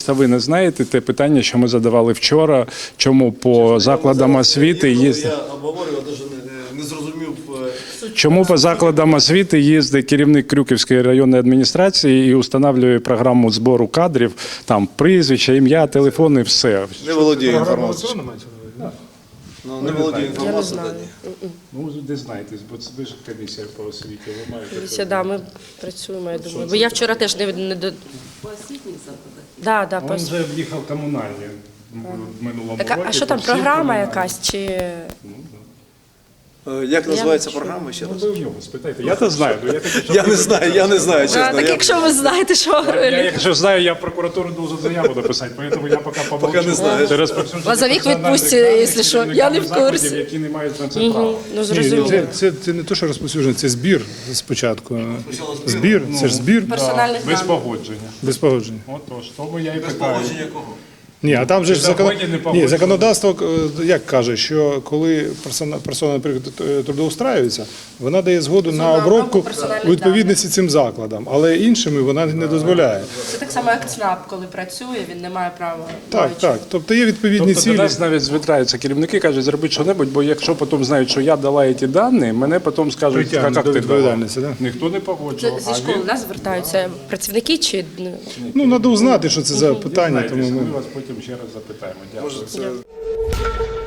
Ви не знаєте те питання, що ми задавали вчора, чому по закладам освіти їздить... Я обговорював, навіть не зрозумів. Чому по закладам освіти їздить керівник Крюківської районної адміністрації і встановлює програму збору кадрів, там прізвища, ім'я, телефони, все. Не володію інформацією. Не володію Я не інформацією. знаю. Ну, де знаєте, бо це ви ж комісія по освіті, ви маєте... Дивіться, да, ми працюємо, я думаю. Бо я вчора теж не до... По освітніх закладах? Да, да, Він вже в'їхав комунальні в минулому році. А що там, всі програма комунальні. якась чи... Як називається програма ще Ну, раз? ви в нього спитайте. Я то знаю. Ну, Я не знаю, чесно. Так якщо ви знаєте, що... Я, якщо знаю, я в прокуратуру должен заяву написати, тому я поки помовчу. не знаю. Це розповсюдження Лазовик персональних відпустять, даних якщо що. керівниками Я не в закладів, курсі. які не мають на це права. Ну, Ні, зрозуміло. це не те, що розповсюдження, це збір спочатку. Збір, це ж збір Персональних Без даних. погодження. без погодження. Отож, тому я і питаю. Погодження кого? Ні, а там же ж Погодження, не погодження. законодавство як каже, що коли персона, наприклад, трудоустраюється, вона дає згоду на обробку персональних у відповідності цим закладам, але іншими вона не дозволяє. Це так само, як ЦНАП, коли працює, він не має права. Так, так. Тобто є відповідні Тобто до цілі. нас навіть звертаються керівники, кажуть, зробіть що-небудь, бо якщо потім знають, що я дала ці дані, мене потім скажуть, Притягнуть як до ти дала. відповідальності, да? Ніхто не Це погоджував. зі школи нас звертаються працівники чи... Ну, треба узнати, що це за питання. Знаєте, Тому ми ми... вас потім ще раз запитаємо. Дякую. Може, це